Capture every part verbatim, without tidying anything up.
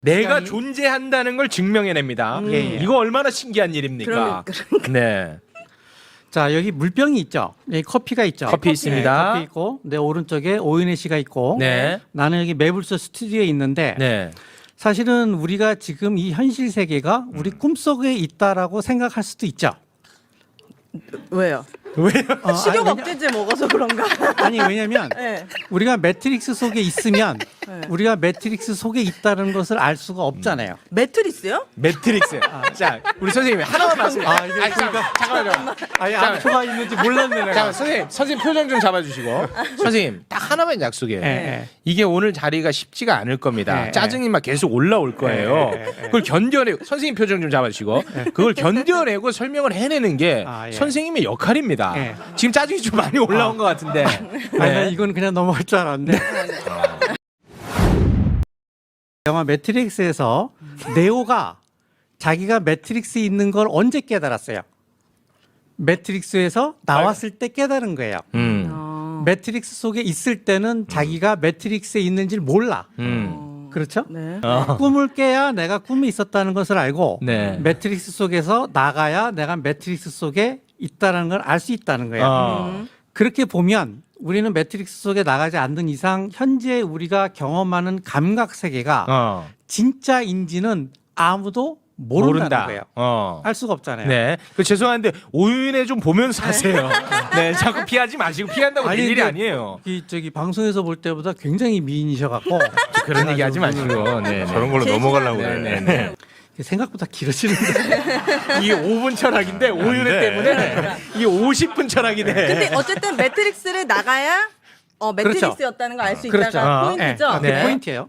내가 시간이... 존재한다는 걸 증명해냅니다. 음. 예, 예. 이거 얼마나 신기한 일입니까? 그러니까. 네. 자, 여기 물병이 있죠. 여기 커피가 있죠. 커피 있습니다. 네, 커피 있고 내 오른쪽에 오윤혜씨가 있고 네. 나는 여기 매불소 스튜디오에 있는데 네. 사실은 우리가 지금 이 현실 세계가 우리 꿈속에 있다라고 생각할 수도 있죠. 왜요? 왜요? 어, 식욕 아니, 억제제 먹어서 그런가? 아니 왜냐면 네. 우리가 매트릭스 속에 있으면 네. 우리가 매트릭스 속에 있다는 것을 알 수가 없잖아요. 매트리스요? 매트릭스. 자, 우리 선생님이 하나만 말씀해. 아, 이게 아니, 잠깐, 잠깐만요. 아니 자, 암초가 있는지 몰랐네 내가. 잠깐, 선생님, 선생님 표정 좀 잡아주시고. 선생님, 딱 하나만 약속해요. 예, 예. 이게 오늘 자리가 쉽지가 않을 겁니다. 예, 짜증이 막 계속 올라올 거예요. 예, 예, 예. 그걸 견뎌내고, 선생님 표정 좀 잡아주시고, 그걸 견뎌내고 설명을 해내는 게 아, 예. 선생님의 역할입니다. 예. 지금 짜증이 좀 많이 올라온 아. 것 같은데. 아니, 난 이건 그냥 넘어갈 줄 알았는데. 영화 매트릭스에서 네오가 자기가 매트릭스에 있는 걸 언제 깨달았어요? 매트릭스에서 나왔을 때 깨달은 거예요. 음. 어. 매트릭스 속에 있을 때는 자기가 매트릭스에 있는지 몰라. 음. 그렇죠? 네. 어. 꿈을 깨야 내가 꿈이 있었다는 것을 알고 네. 매트릭스 속에서 나가야 내가 매트릭스 속에 있다는 걸 알 수 있다는 거예요. 어. 음. 그렇게 보면 우리는 매트릭스 속에 나가지 않는 이상 현재 우리가 경험하는 감각 세계가 어. 진짜인지는 아무도 모른다는 모른다. 거예요. 어. 알 수가 없잖아요. 네. 그 죄송한데 오윤회 좀 보면서 하세요. 네. 자꾸 피하지 마시고 피한다고 될 아니, 일이 근데 아니에요. 이 저기 방송에서 볼 때보다 굉장히 미인이셔갖고 그런 얘기 하지 마시고. 네. 저런 걸로 넘어가려고 네, 그래. 네, 네. 생각보다 길어지는데 이게 오 분 철학인데 오윤회 돼. 때문에 이게 오십 분 철학이 돼. 근데 어쨌든 매트릭스를 나가야 어, 매트릭스였다는 걸 알 수 그렇죠. 있다가 어. 포인트죠. 네, 그게 네. 포인트예요.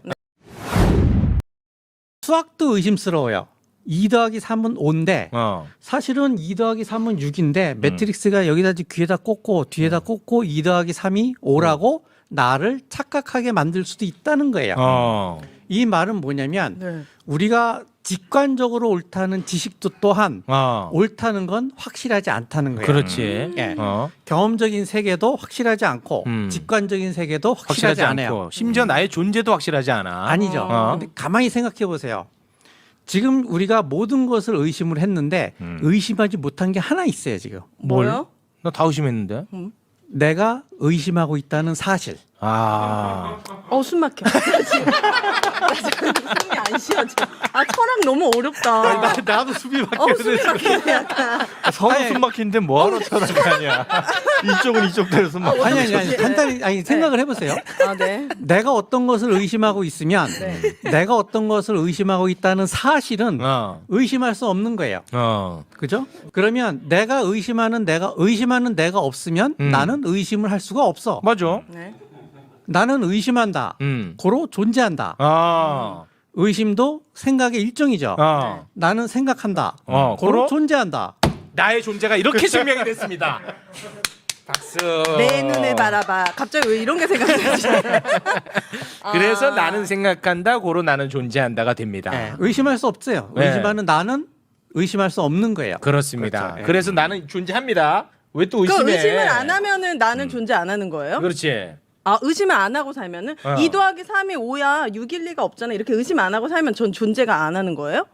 수학도 의심스러워요. 이 더하기 삼은 오인데 어. 사실은 이 더하기 삼은 육인데 매트릭스가 여기다 귀에다 꽂고 뒤에다 꽂고 이 더하기 삼이 오라고 나를 착각하게 만들 수도 있다는 거예요. 어. 이 말은 뭐냐면 네. 우리가 직관적으로 옳다는 지식도 또한 어. 옳다는 건 확실하지 않다는 거예요. 그렇지. 예. 어. 경험적인 세계도 확실하지 않고 음. 직관적인 세계도 확실하지, 확실하지 않아요. 않고 심지어 나의 존재도 확실하지 않아. 아니죠. 어. 근데 가만히 생각해 보세요. 지금 우리가 모든 것을 의심을 했는데 음. 의심하지 못한 게 하나 있어요. 지금 뭐요? 나 다 의심했는데. 내가 의심하고 있다는 사실. 아. 어, 숨 막혀. 나 지금, 나 지금 숨이 안 쉬어져. 아, 철학 너무 어렵다. 나도 숨이 어, 숨이 막히네, 약간. 서로 숨 막히는데 뭐하러 쳐다보냐. 이쪽은 이쪽대로 숨 막혀. 아니 아니 아니 간단히 아니 생각을 해보세요. 아, 네. 내가 어떤 것을 의심하고 있으면 네. 내가 어떤 것을 의심하고 있다는 사실은 어. 의심할 수 없는 거예요. 어. 그죠? 그러면 내가 의심하는 내가 의심하는 내가 없으면 음. 나는 의심을 할 수가 없어. 맞아. 네. 나는 의심한다. 음. 고로 존재한다. 아. 의심도 생각의 일종이죠. 어. 나는 생각한다. 어, 고로 고로? 존재한다. 나의 존재가 이렇게 증명이 됐습니다. 박수. 내 눈을 바라봐. 갑자기 왜 이런 게 생각나지? 그래서 아. 나는 생각한다, 고로 나는 존재한다가 됩니다. 네, 의심할 수 없어요. 네. 의심하는 나는 의심할 수 없는 거예요. 그렇습니다. 그렇죠. 그래서 나는 존재합니다. 왜 또 의심해? 그 의심을 안 하면은 나는 존재 안 하는 거예요? 그렇지. 아, 의심을 안 하고 살면은 어. 이 더하기 삼이 오야 육일 리가 없잖아. 이렇게 의심 안 하고 살면 전 존재가 안 하는 거예요?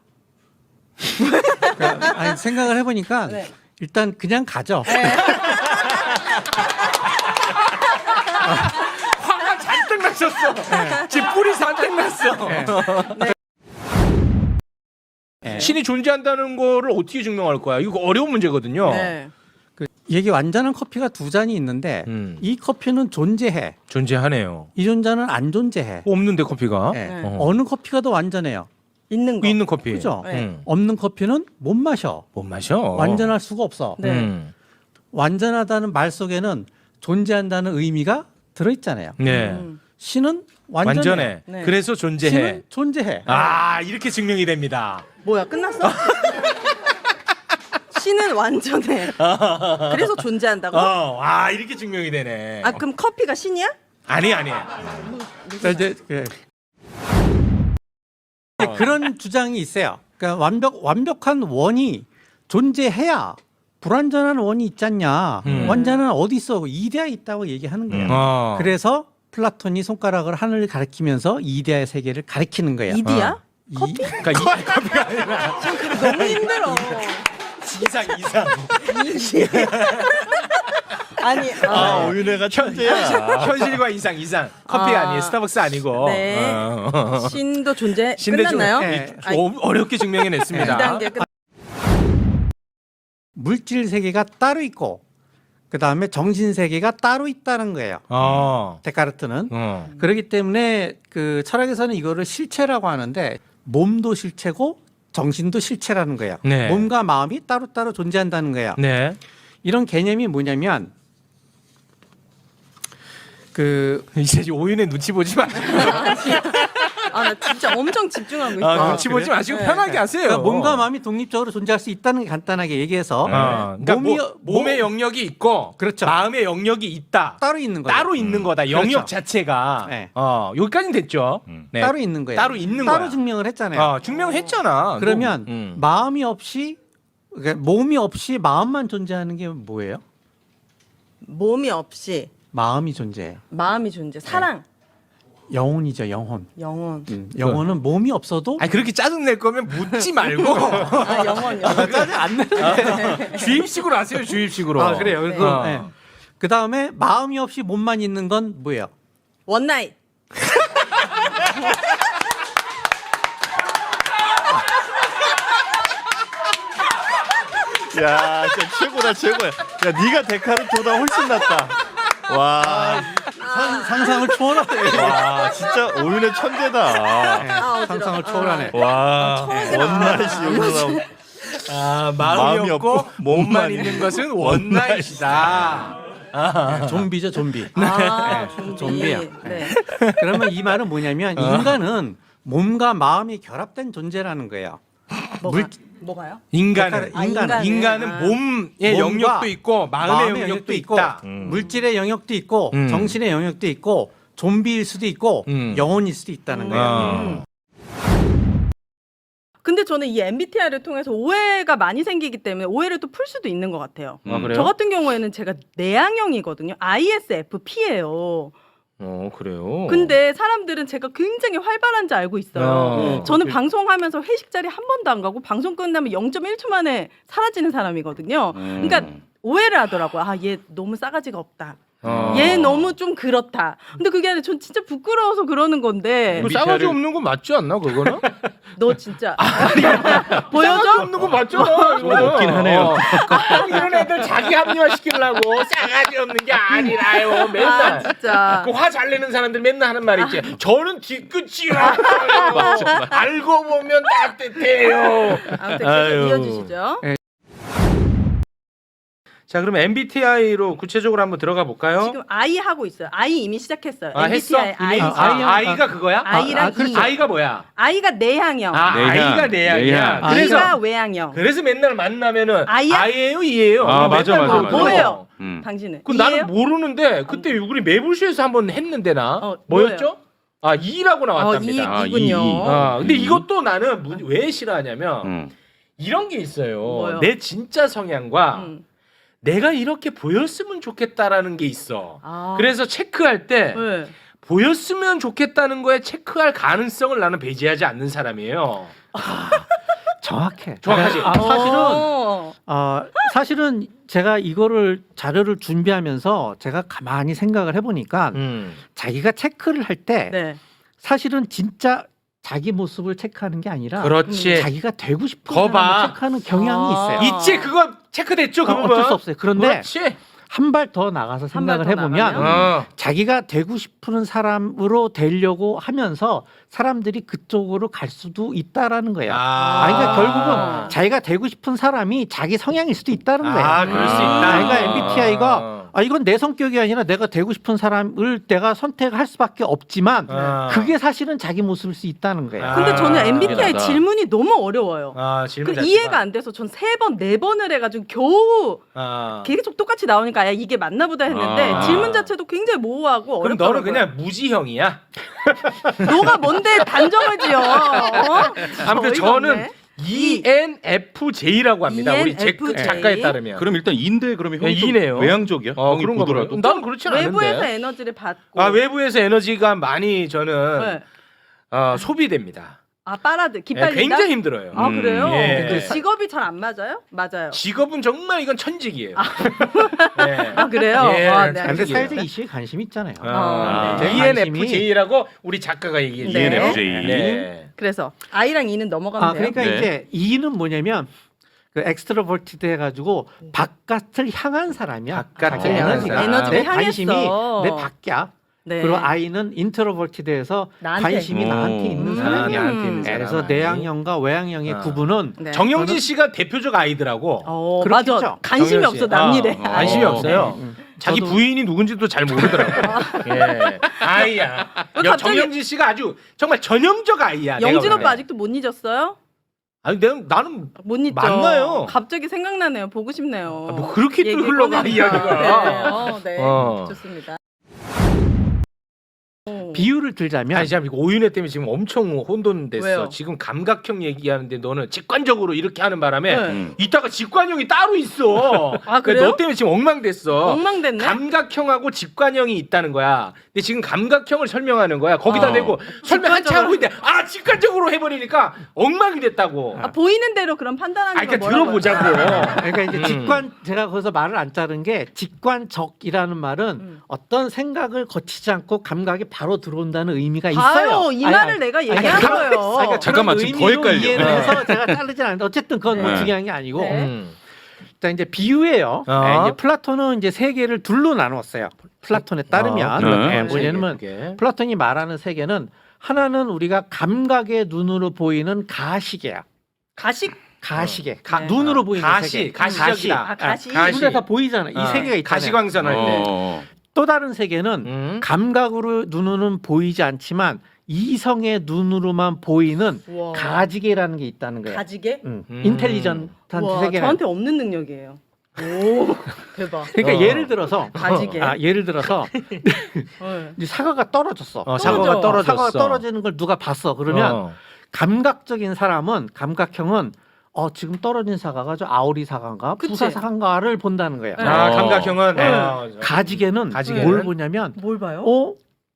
그러니까 아니, 생각을 해보니까 네. 일단 그냥 가죠. 화가 잔뜩 나셨어. 지금 뿔이 잔뜩 났어. 네. 신이 존재한다는 거를 어떻게 증명할 거야? 이거 어려운 문제거든요. 네. 그, 이게 완전한 커피가 두 잔이 있는데 음. 이 커피는 존재해. 존재하네요. 이 존재는 안 존재해. 없는데 커피가? 네. 네. 어. 어느 커피가 더 완전해요? 있는 거. 있는 커피. 그죠? 네. 음. 없는 커피는 못 마셔. 못 마셔. 완전할 수가 없어. 네. 음. 완전하다는 말 속에는 존재한다는 의미가 들어있잖아요. 네. 음. 신은 완전해. 완전해. 네. 그래서 존재해. 신은 존재해. 아 이렇게 증명이 됩니다. 뭐야, 끝났어? 신은 완전해. 그래서 존재한다고? 어, 아 이렇게 증명이 되네. 아, 그럼 커피가 신이야? 아니 아니. 그러니까 이제 그- 그런 주장이 있어요. 그러니까 완벽 완벽한 원이 존재해야 불완전한 원이 있지 않냐. 음. 완전한 어디 있어? 이데아 있다고 얘기하는 거예요. 어. 그래서 플라톤이 손가락을 하늘을 가리키면서 이데아의 세계를 가리키는 거예요. 이디야? 이, 그러니까 이 커피가 아니라 너무 힘들어. 이상 이상. 아니, 아, 아, 오윤혜가 천재야. 현실과 이상 이상. 커피 아. 아니에요. 스타벅스 아니고. 네. 어. 신도 존재 신대 중- 끝났나요? 네. 아니, 어, 어렵게 증명해냈습니다. 이 단계 끝. 물질 세계가 따로 있고 그 다음에 정신 세계가 따로 있다는 거예요. 어. 데카르트는. 어. 그렇기 때문에 그 철학에서는 이거를 실체라고 하는데 몸도 실체고 정신도 실체라는 거예요. 네. 몸과 마음이 따로따로 존재한다는 거예요. 네. 이런 개념이 뭐냐면 그 이제 오윤의 눈치 보지 마시고. 아, 나 진짜 엄청 집중하고 있어. 아, 눈치 보지 마시고 네. 편하게 하세요. 그러니까 몸과 마음이 독립적으로 존재할 수 있다는 게 간단하게 얘기해서 어, 그러니까 몸이 뭐, 몸의 영역이 있고 그렇죠. 마음의 영역이 있다. 따로 있는 거예요. 따로 있는 거다. 영역 그렇죠. 자체가. 네. 어, 여기까지는 됐죠. 음. 네. 따로 있는 거예요. 따로 있는 따로 거야. 증명을 했잖아요. 어, 증명했잖아. 그러면 음. 마음이 없이 그러니까 몸이 없이 마음만 존재하는 게 뭐예요? 몸이 없이 마음이 존재해요. 마음이 존재. 사랑, 영혼이죠, 영혼. 영혼. 음, 영혼은 몸이 없어도 아니 그렇게 짜증 낼 거면 묻지 말고 아, 영혼, 영혼. 짜증 안 내는데. 주입식으로 하세요. 주입식으로. 아 그래요. 네. 그래서 어. 네. 그 다음에 마음이 없이 몸만 있는 건 뭐예요? 원나잇. 야, 진짜 최고다, 최고야. 야, 네가 데카르트보다 훨씬 낫다. 와, 상, 상상을 초월하네. 와, 진짜 오윤혜 천재다. 아, 어지러워. 상상을 초월하네. 와, 처음이라. 원나잇이 여기서 나오고. 아, 마음이, 마음이 없고 없고 몸만 몸만 있는 있는 것은 원나잇이다. 좀비죠, 좀비. 아, 네, 좀비. 좀비야. 네. 그러면 이 말은 뭐냐면 인간은 몸과 마음이 결합된 존재라는 거예요. 뭐가, 물- 뭐가요? 인간은 아, 인간은. 인간은 아. 몸의 몸과 영역도 있고 마음의, 마음의 영역도 영역도 있고 있다. 음. 물질의 영역도 있고 음. 정신의 영역도 있고 좀비일 수도 있고 음. 영혼일 수도 있다는 거예요. 어. 근데 저는 이 엠비티아이를 통해서 오해가 많이 생기기 때문에 오해를 또 풀 수도 있는 것 같아요. 아, 그래요? 저 같은 경우에는 제가 내향형이거든요. 아이에스에프피예요. 어, 그래요. 근데 사람들은 제가 굉장히 활발한지 알고 있어요. 어. 저는 방송하면서 회식 자리 한 번도 안 가고 방송 끝나면 영 점 일 초 만에 사라지는 사람이거든요. 그러니까 오해를 하더라고요. 아, 얘 너무 싸가지가 없다. 어. 얘 너무 좀 그렇다. 근데 그게 아니라 전 진짜 부끄러워서 그러는 건데 그 싸가지 없는 거 맞지 않나 그거는? 너 진짜 싸가지 보여줘? 없는 거 맞잖아. 좀 없긴 하네요. 어. 이런 애들 자기 합리화 시키려고 싸가지 없는 게 아니라요. 아 맨날. 진짜 그 화 잘 내는 사람들 맨날 하는 말 있지. 저는 뒤끝이요. 알고 보면 따뜻해요. 아무튼 아유. 계속 이어주시죠. 자, 그럼 엠비티아이로 구체적으로 한번 들어가 볼까요? 지금 아이 하고 있어요. 아이 이미 시작했어요. 아, 했어? 엠비티아이 아이. 아, 아이. 아, 아이가 그거야? 아이랑 아, 그렇죠. 이. 아이가 뭐야? 아이가 내향형. 아, 내향. 아이가 내향이야. 내향. 그래서 아이가 외향형. 그래서 맨날 만나면은 아이야? 아이예요, 이예요. 아, 맨날 맞아, 맞아, 물어봐. 맞아. 뭐예요? 음. 당신은? 그 이해요? 나는 모르는데 그때 우리 매불쇼에서 한번 했는데 나 어, 뭐였죠? 아, 이라고 나왔답니다. 어, 아, 이, 이군요. 이, 이. 아, 근데 이것도 나는 무- 왜 싫어하냐면 음. 이런 게 있어요. 뭐요? 내 진짜 성향과 음. 내가 이렇게 보였으면 좋겠다라는 게 있어. 아. 그래서 체크할 때 네. 보였으면 좋겠다는 거에 체크할 가능성을 나는 배제하지 않는 사람이에요. 정확해. 정확하지? 아, 사실은 어. 어, 사실은 제가 이거를 자료를 준비하면서 제가 가만히 생각을 해보니까 음. 자기가 체크를 할 때 네. 사실은 진짜 자기 모습을 체크하는 게 아니라 그렇지. 자기가 되고 싶은 거 봐. 사람을 체크하는 경향이 아. 있어요. 있지 그거 체크됐죠 그 어, 부분. 어쩔 수 없어요. 그런데 그렇지. 한 발 더 나가서 한발 생각을 더 해보면 나가면? 어. 자기가 되고 싶은 사람으로 되려고 하면서 사람들이 그쪽으로 갈 수도 있다라는 거예요. 아, 아, 그러니까 아. 결국은 자기가 되고 싶은 사람이 자기 성향일 수도 있다는 거예요. 아, 그럴 수 아. 있다. 자기가 엠비티아이가 아, 이건 내 성격이 아니라 내가 되고 싶은 사람을 내가 선택할 수밖에 없지만 아. 그게 사실은 자기 모습일 수 있다는 거예요. 아. 근데 저는 엠비티아이 미안하다. 질문이 너무 어려워요. 아, 그 질문 자체가. 이해가 안 돼서 전 세 번, 네 번을 해가지고 겨우 아. 계속 똑같이 나오니까 야, 이게 맞나보다 했는데 아. 질문 자체도 굉장히 모호하고 그럼 어렵더라고요. 너는 그냥 무지형이야. 너가 뭔데 단정을 지어? 어? 아무튼 어이가 저는 없네. 이엔에프제이라고 합니다. 우리 제 이엔에프제이? 작가에 따르면. 그럼 일단 인데 그러면 네, 형이 좀 이네요. 외향적이야? 어, 형이 그런가 보더라도. 보더라도. 나는 그렇지 않은데. 외부에서 에너지를 받고. 아, 외부에서 에너지가 많이 저는 네. 어, 소비됩니다. 아 빨아들 예, 기빨린다. 굉장히 힘들어요. 아 그래요? 음, 예. 그 직업이 잘 안 맞아요? 맞아요. 직업은 정말 이건 천직이에요. 예. 아 그래요? 예, 아, 네, 근데 알겠습니다. 사회적 이슈에 관심이 있잖아요. 아, 네. 이엔에프제이라고 우리 작가가 얘기해 네. 주네요. 이엔에프제이. 네. 그래서 I랑 E는 넘어가면 아, 돼요. 그러니까 네. 이제 E는 뭐냐면 그 엑스트로버티드 해가지고 바깥을 향한 사람이야. 바깥을 향한 향한 사람. 에너지가 내 관심이 향했어. 내 밖이야. 네. 그리고 I는 인트로버티드해서 나한테. 관심이 오. 나한테 있는 음. 아, 사람이야. 나한테 있는 예, 사람. 그래서 내향형과 외향형의 아. 구분은 네. 정영진 씨가 대표적 아이들하고 어, 그렇겠죠. 맞아. 관심이 정영 씨. 없어 남 일에. 어, 어, 관심이 어. 없어요. 음. 자기 저도- 부인이 누군지도 잘 모르더라고. 예. 아이야. 왜 여- 갑자기- 정영진 씨가 아주 정말 전형적 아이야. 내가 영진 보기엔. 오빠 아직도 못 잊었어요? 아니 내가 나는 못 잊죠. 맞나요? 갑자기 생각나네요. 보고 싶네요. 아, 뭐 그렇게 또 얘기 흘러가 꺼내니까. 이야기가. 네. 어, 네. 어. 좋습니다. 비유를 들자면 아니 참 이거 오윤회 때문에 지금 엄청 혼돈됐어. 왜요? 지금 감각형 얘기하는데 너는 직관적으로 이렇게 하는 바람에 네. 음. 이따가 직관형이 따로 있어. 아, 그러니까 그래요? 너 때문에 지금 엉망됐어. 엉망됐네. 감각형하고 직관형이 있다는 거야. 근데 지금 감각형을 설명하는 거야. 거기다 어. 대고 설명 한참 직관적으로. 하고 있는데 아 직관적으로 해버리니까 엉망이 됐다고. 아, 보이는 대로 그럼 판단하는 아, 거 그러니까 뭐라고요? 들어보자고. 그러니까 이제 음. 직관 제가 거기서 말을 안 자른 게 직관적이라는 말은 음. 어떤 생각을 거치지 않고 감각이 바로 들어온다는 의미가 봐요. 있어요. 이 아니, 말을 아니, 내가 아니, 얘기한 그런- 거예요. 아니, 그러니까 잠깐만, 그런 지금 더 의미로 헷갈려. 이해를 네. 해서 제가 자르진 않는데 어쨌든 그건 뭐 네. 중요한 게 아니고 네. 음. 자 이제 비유예요. 어. 네, 이제 플라톤은 이제 세계를 둘로 나누었어요. 플라톤에 따르면 아, 그러네. 네, 뭐냐면 그게. 플라톤이 말하는 세계는 하나는 우리가 감각의 눈으로 보이는 가시계야. 가식 가시계. 가- 네. 눈으로 보이는 가시, 세계. 가시적이다. 아, 가시. 가시. 눈에 다 보이잖아. 이 어, 세계가 있잖아요. 가시광선 할 때. 어. 또 다른 세계는 음. 감각으로 눈으로는 보이지 않지만 이성의 눈으로만 보이는 우와. 가지계라는 게 있다는 거예요. 가지게? 응. 음. 인텔리전트한 와, 세계는. 저한테 없는 능력이에요. 오, 대박. 그러니까 어. 예를 들어서 가지게. 아, 예를 들어서 네. 이제 사과가 떨어졌어. 어, 사과가 떨어져. 떨어졌어. 사과가 떨어지는 걸 누가 봤어. 그러면 어. 감각적인 사람은 감각형은 어 지금 떨어진 사과가 저 아오리 사과인가 그치. 부사 사과인가를 본다는 거예요. 네. 아, 어. 감각형은 네. 어, 가지계는 가지계는? 뭘 보냐면 뭘 봐요? 어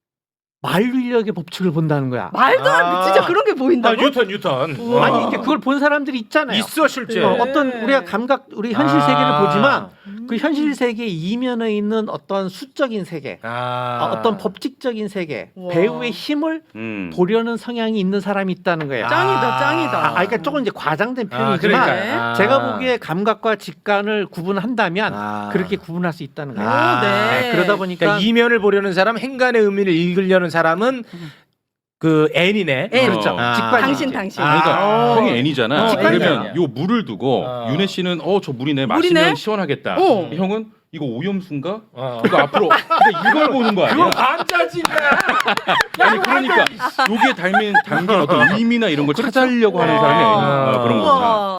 만류인력의 법칙을 본다는 거야. 말도 안 돼. 아. 진짜 그런 게 아, 보인다고? 뉴턴 뉴턴. 우와. 어. 아니 이렇게 그걸 본 사람들이 있잖아요. 있어 실제. 어, 네. 어떤 우리가 감각 우리 현실 아. 세계를 보지만 음. 그 현실 세계 이면에 있는 어떤 수적인 세계, 아. 아, 어떤 법칙적인 세계, 우와. 배우의 힘을 음. 보려는 성향이 있는 사람이 있다는 거예요. 짱이다, 짱이다. 아, 아, 그러니까 조금 이제 과장된 아, 표현이지만 그러니까. 아. 제가 보기에 감각과 직관을 구분한다면 아. 그렇게 구분할 수 있다는 거예요. 아. 네. 그러다 보니까 그러니까 이면을 보려는 사람, 행간의 의미를 읽으려는 사람은 그 N이네. N. 그렇죠. 어. 직관 당신 당신. 아. 그러니까 어. 형이 N이잖아. 어, 그러면 N이야. 요 물을 두고 어. 윤혜 씨는 어 저 물이네 마시면 물이네? 시원하겠다. 어. 형은 이거 오염수인가? 어. 그거 앞으로 그러니까 이걸 보는 거 아니야? 그건 반자진이야. 아니 그러니까 여기에 담긴 담긴 어떤 의미나 이런 걸 찾아려고 하는 사람이 어. 어, 그런 거구나. 우와.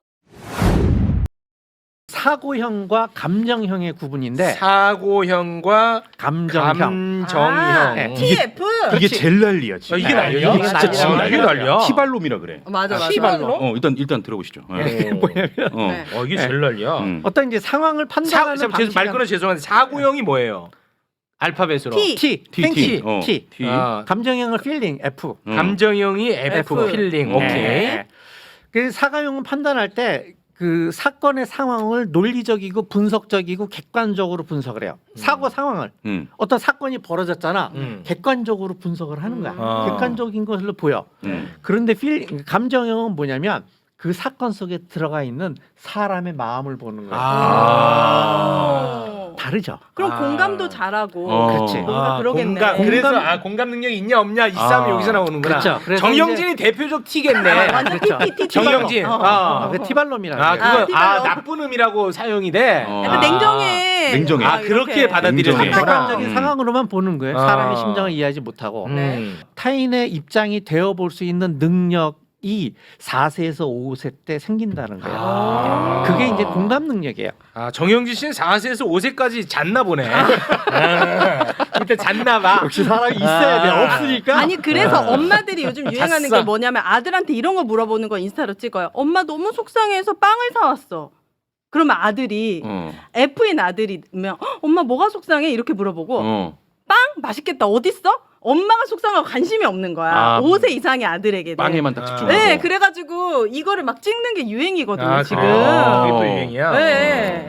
사고형과 감정형의 구분인데 사고형과 감정형. 감정형. 아, 네. 티에프. 이게 제일 난리야 지금. 어, 이게 난리야? 이게 진짜 난리야. 지금 이게 난리야. 티발롬이라 그래. 맞아 맞아. 티발로? 어 일단 일단 들어보시죠. 어. 네, 뭐냐면 어. 네. 어 이게 제일 난리야. 음. 어떤 이제 상황을 사, 판단하는 사, 죄송- 말 끊어 죄송한데 사고형이 뭐예요? 알파벳으로. T. T, T 땡 T 어. T. T. 아, 감정형은 feeling F. 음. 감정형이 F, F. 필링. 네. 오케이. 네. 그 사가형은 판단할 때 그 사건의 상황을 논리적이고 분석적이고 객관적으로 분석을 해요. 사고 상황을 음. 어떤 사건이 벌어졌잖아. 음. 객관적으로 분석을 하는 거야. 아. 객관적인 것으로 보여. 음. 그런데 필 감정형은 뭐냐면 그 사건 속에 들어가 있는 사람의 마음을 보는 거야. 아. 오. 다르죠. 그럼 아. 공감도 잘하고. 어. 그렇지. 뭔가 그러겠네. 공감, 공감- 그래서 아 공감 능력이 있냐 없냐 이 싸움이 아. 여기서 나오는구나. 그렇죠. 그래서 정영진이 대표적 T겠네. 완전 그렇죠. 피피티. 정영진. 어. 아, 그 티발롬이라는 아 거예요. 그건 아, 티발로. 나쁜 음이라고 사용이 돼. 어. 약간 아. 냉정해. 냉정해. 아 그렇게 받아들여지는구나. 냉정해. 객관적인 음. 상황으로만 보는 거예요. 아. 사람의 심정을 이해하지 못하고. 음. 타인의 입장이 되어 볼 수 있는 능력이 사 세에서 오 세 때 생긴다는 거예요. 아. 그게 이제 공감 능력이에요. 아 정영진 씨는 사 세에서 오 세까지 잤나 보네. 아. 그때 잤나 봐. 역시 사람이 있어야 돼. 아. 없으니까. 아니 그래서 엄마들이 요즘 유행하는 잤어. 게 뭐냐면 아들한테 이런 거 물어보는 거 인스타로 찍어요. 엄마 너무 속상해서 빵을 사왔어. 그러면 아들이 어. F인 아들이면 "헉, 엄마 뭐가 속상해? 이렇게 물어보고 어. 빵 맛있겠다 어딨어? 엄마가 속상하고 관심이 없는 거야. 아, 오 세 이상의 아들에게. 빵에만 딱 아. 집중하고. 네, 그래가지고 이거를 막 찍는 게 유행이거든요 아, 지금. 아, 그게 또 어. 유행이야. 네.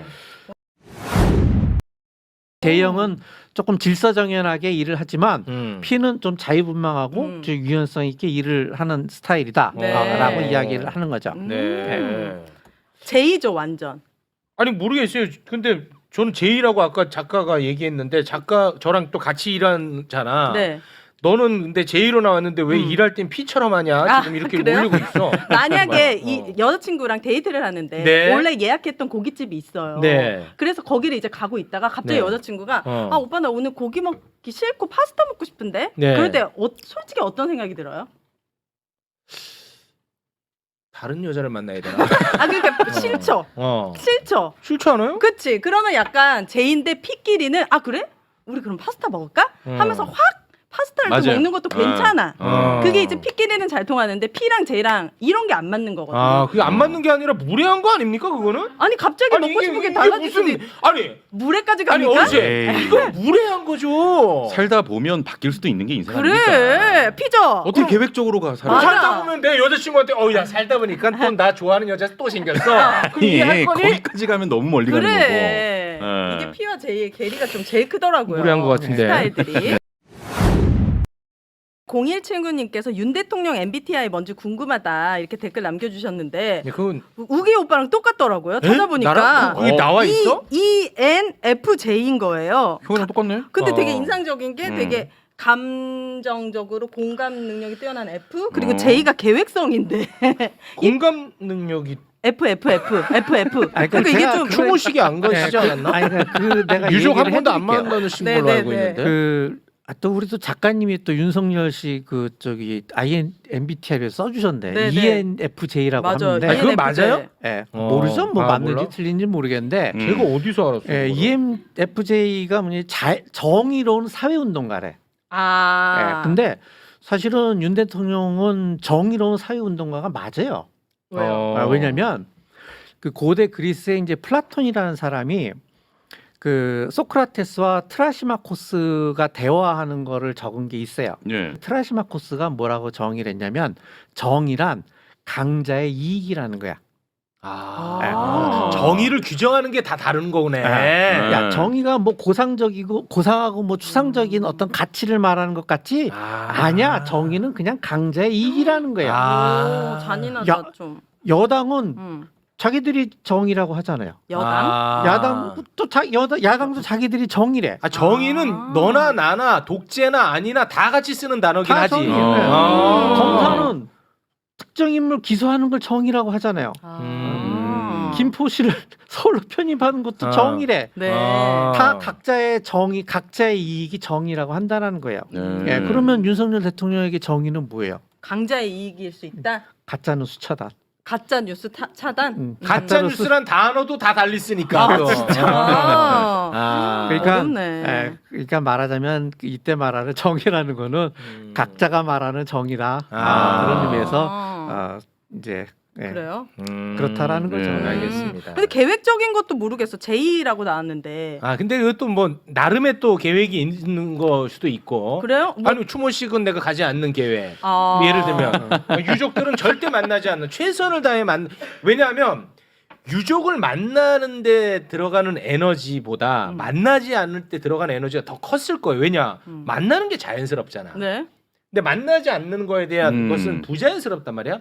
J형은 조금 질서정연하게 일을 하지만 음. P는 좀 자유분방하고 음. 좀 유연성 있게 일을 하는 스타일이다라고 네. 이야기를 하는 거죠. 음. 네. 제이죠 완전. 아니 모르겠어요. 근데 저는 제이라고 아까 작가가 얘기했는데 작가 저랑 또 같이 일하잖아. 네. 너는 근데 제이로 나왔는데 왜 음. 일할 땐 P처럼 하냐? 아, 지금 이렇게 그래요? 올리고 있어. 만약에 어. 이 여자친구랑 데이트를 하는데 네. 원래 예약했던 고깃집이 있어요. 네. 그래서 거기를 이제 가고 있다가 갑자기 네. 여자친구가 어. 아 오빠 나 오늘 고기 먹기 싫고 파스타 먹고 싶은데. 네. 그럴 때 어, 솔직히 어떤 생각이 들어요? 다른 여자를 만나야 되나? 아 그러니까 싫죠. 어. 싫죠. 싫지 않아요? 그치. 그러면 약간 제인데 P끼리는 아 그래? 우리 그럼 파스타 먹을까? 음. 하면서 확 파스타를 또 맞아요. 먹는 것도 어. 괜찮아. 어. 그게 이제 P끼리는 잘 통하는데 P랑 J랑 이런 게 안 맞는 거거든요. 아, 그게 안 맞는 게 아니라 무례한 거 아닙니까 그거는? 아니 갑자기 먹고 이게- 싶은 게 이게 달라질 수도 무슨 있... 아니 물에까지 아니 갑니까? 어제 에이. 이거 무례한 거죠. 살다 보면 바뀔 수도 있는 게 인생 아닙니까? 그래 P죠. 어떻게 어. 계획적으로 가 살아? 맞아. 살다 보면 내 여자친구한테 어야 살다 보니까 또 나 좋아하는 여자 또 생겼어. 그럼 이게 할 거니? 거기까지 가면 너무 멀리 가는 거고. 그래. 예. 이게 P와 J의 괴리가 좀 제일 크더라고요. 무례한 것 같은데. 스타일들이. 공일칠구님께서 윤 대통령 엠비티아이 뭔지 궁금하다 이렇게 댓글 남겨주셨는데 네, 그건 우기 오빠랑 똑같더라고요. 에? 찾아보니까 나랑 그- 그게 나와 있어? E N F J인 거예요. 형이랑 똑같네. 근데 되게 어. 인상적인 게 음. 되게 감정적으로 공감 능력이 뛰어난 F 그리고 어. J가 계획성인데 공감 능력이 F F F F F 아니, 그러니까 이게 제가 좀 그걸- 추모식이 안 거시지 않았나? 아니 그러니까 그 내가 유족 한 얘기를 번도 안 해드릴게요. 만나신 네, 걸로 네, 알고 네. 있는데. 그, 아, 또 우리 또 작가님이 또 윤석열 씨 그 저기 아이엔 엠비티아이를 써주셨네. 네, 네. E N F J라고 맞아. 하는데. 아, 그건 E N F J. 맞아요? 예, 어. 모르죠. 뭐 아, 맞는지 몰라? 틀린지 모르겠는데. 음. 제가 어디서 알았어요? 예, 그거를? E N F J가 뭐냐 자, 정의로운 사회운동가래. 아. 예, 근데 사실은 윤 대통령은 정의로운 사회운동가가 맞아요. 왜요? 어. 아, 왜냐면 그 고대 그리스의 이제 플라톤이라는 사람이 그 소크라테스와 트라시마코스가 대화하는 거를 적은 게 있어요. 예. 트라시마코스가 뭐라고 정의를 했냐면 정의란 강자의 이익이라는 거야. 아. 아. 정의를 규정하는 게 다 다른 거네. 아. 야, 정의가 뭐 고상적이고 고상하고 뭐 추상적인 어떤 가치를 말하는 것 같지 아. 아니야. 정의는 그냥 강자의 이익이라는 거야. 아. 오, 잔인하다 야. 좀. 여당은 음. 자기들이 정의라고 하잖아요. 여당? 아. 야당 또 자, 여당 야당도 자기들이 정의래. 아, 정의는 아. 너나 나나 독재나 아니나 다 같이 쓰는 단어긴 다 하지. 정의예요. 아. 검사는 특정 인물 기소하는 걸 정의라고 하잖아요. 아. 음. 김포 씨를 서울로 편입하는 것도 아. 정의래. 네. 아. 다 각자의 정의, 각자의 이익이 정의라고 한다는 거예요. 네. 예, 그러면 윤석열 대통령에게 정의는 뭐예요? 강자의 이익일 수 있다. 가짜는 수차다. 가짜 뉴스 타, 차단. 음, 가짜 가짜로 뉴스란 단어도 다 달리 쓰니까. 아, 또. 아. 아. 그러니까, 어렵네. 예, 그러니까 말하자면 이때 말하는 정의라는 거는 음. 각자가 말하는 정의다. 아. 아, 그런 의미에서 아. 어, 이제 예, 그래요? 음. 그렇다라는 거죠. 네. 알겠습니다. 음. 근데 계획적인 것도 모르겠어. 제이라고 나왔는데. 아 근데 이것도 뭐 나름의 또 계획이 있는 거 수도 있고. 그래요? 뭐- 아니 추모식은 내가 가지 않는 계획. 아. 예를 들면 유족들은 절대 만나지 않는 최선을 다해 만. 왜냐하면 유족을 만나는데 들어가는 에너지보다 음. 만나지 않을 때 들어가는 에너지가 더 컸을 거예요. 왜냐 음. 만나는 게 자연스럽잖아. 네. 근데 만나지 않는 거에 대한 음. 것은 부자연스럽단 말이야.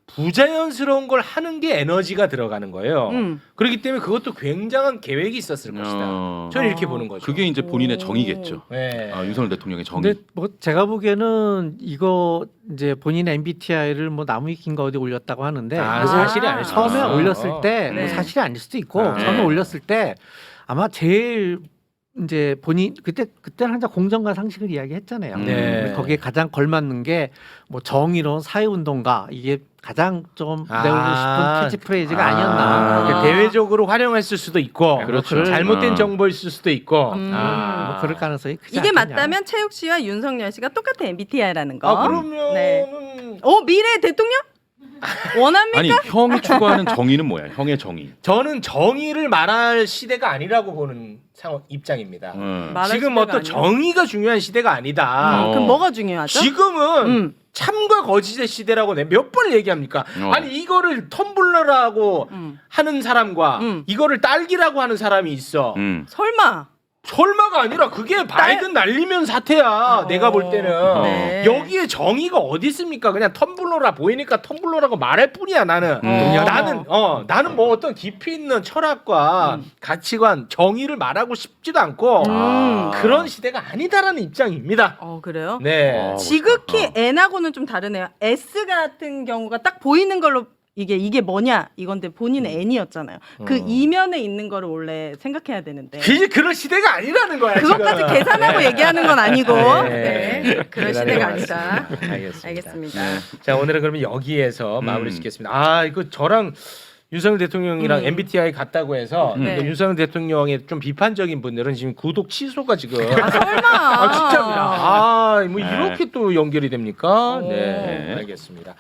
부자연스러운 걸 하는 게 에너지가 들어가는 거예요. 음. 그렇기 때문에 그것도 굉장한 계획이 있었을 것이다. 어. 저는 이렇게 아. 보는 거죠. 그게 이제 본인의 오. 정의겠죠. 네. 아, 윤석열 대통령의 정의. 근데 뭐 제가 보기에는 이거 이제 본인의 엠비티아이를 뭐 나무위키인가 어디 올렸다고 하는데 아, 뭐 사실이 아닐 수도 처음에 있어. 올렸을 때 네. 뭐 사실이 아닐 수도 있고 아. 처음에 네. 올렸을 때 아마 제일 이제 본인 그때 그때는 항상 공정과 상식을 이야기했잖아요. 네. 근데 거기에 가장 걸맞는 게 뭐 정의로운 사회운동가 이게 가장 좀 아. 내고 싶은 캐치프레이즈가 아. 아니었나. 그러니까 대외적으로 활용했을 수도 있고, 그렇죠. 잘못된 어. 정보일 수도 있고. 음. 아. 뭐 그럴 가능성이 크지 이게 않겠냐. 맞다면 최욱 씨와 윤석열 씨가 똑같은 엠비티아이라는 거. 아 그러면은 네. 어 미래 대통령? 원합니까? 아니 형이 추구하는 정의는 뭐야? 형의 정의. 저는 정의를 말할 시대가 아니라고 보는 상황 입장입니다. 음. 말할 지금 시대가 어떤 아니에요? 정의가 중요한 시대가 아니다. 음, 그럼 뭐가 중요하죠? 지금은 음. 참과 거짓의 시대라고 내 몇 번 얘기합니까? 어. 아니 이거를 텀블러라고 음. 하는 사람과 음. 이거를 딸기라고 하는 사람이 있어. 음. 설마. 설마가 아니라 그게 바이든 날리면 사태야. 내가 볼 때는 네. 여기에 정의가 어디 있습니까? 그냥 텀블러라 보이니까 텀블러라고 말할 뿐이야. 나는 음. 나는 어 나는 뭐 어떤 깊이 있는 철학과 음. 가치관, 정의를 말하고 싶지도 않고 음. 그런 시대가 아니다라는 입장입니다. 어 그래요? 네. 어. 지극히 어. N하고는 좀 다르네요. S 같은 경우가 딱 보이는 걸로 이게 이게 뭐냐 이건데 본인은 N이었잖아요. 그 음. 이면에 있는 거를 원래 생각해야 되는데 그게 그런 시대가 아니라는 거야. 그것까지 지금. 계산하고 네. 얘기하는 건 아니고 네. 네. 그런 대단히 시대가 고맙습니다. 아니다. 알겠습니다. 알겠습니다. 네. 자 오늘은 그러면 여기에서 음. 마무리 짓겠습니다. 아 이거 저랑 윤석열 대통령이랑 음. 엠비티아이 같다고 해서 네. 그 윤석열 대통령의 좀 비판적인 분들은 지금 구독 취소가 지금 아 설마. 아 진짜입니다. 아뭐 네. 이렇게 또 연결이 됩니까? 오. 네 알겠습니다.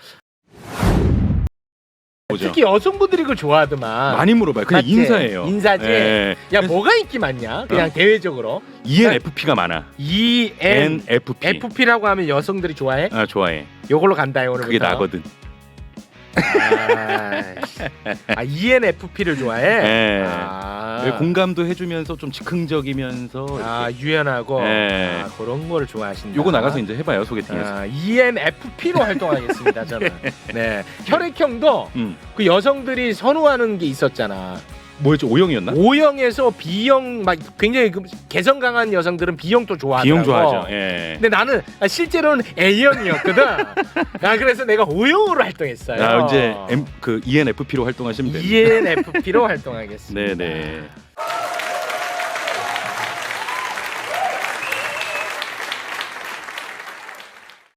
뭐죠? 특히 여성분들이 그걸 좋아하더만. 많이 물어봐요. 그냥 맞지? 인사예요. 인사지. 예. 야 뭐가 인기 많냐? 그냥 어. 대외적으로 이엔에프피가 많아. E N 엔에프피. FP라고 하면 여성들이 좋아해? 아 좋아해. 요걸로 간다요 오늘부터. 그게 나거든. 아, 아 E N FP를 좋아해? 예. 아, 왜 공감도 해주면서 좀 즉흥적이면서. 아 이렇게. 유연하고 네. 아, 그런 거를 좋아하신다. 요거 나가서 이제 해봐요 소개팅에서. 아, E N FP로 활동하겠습니다 저는. 네. 혈액형도 음. 그 여성들이 선호하는 게 있었잖아. 뭐였죠? 오형이었나? O형에서 B형 막 굉장히 그 개성 강한 여성들은 B형도 좋아하더라고. B형 좋아하죠. 예. 근데 나는 실제로는 A형이었거든. 아 그래서 내가 O형으로 활동했어요. 아 이제 M 그 이엔에프피로 활동하시면 됩니다. E N FP로 활동하겠습니다. 네네.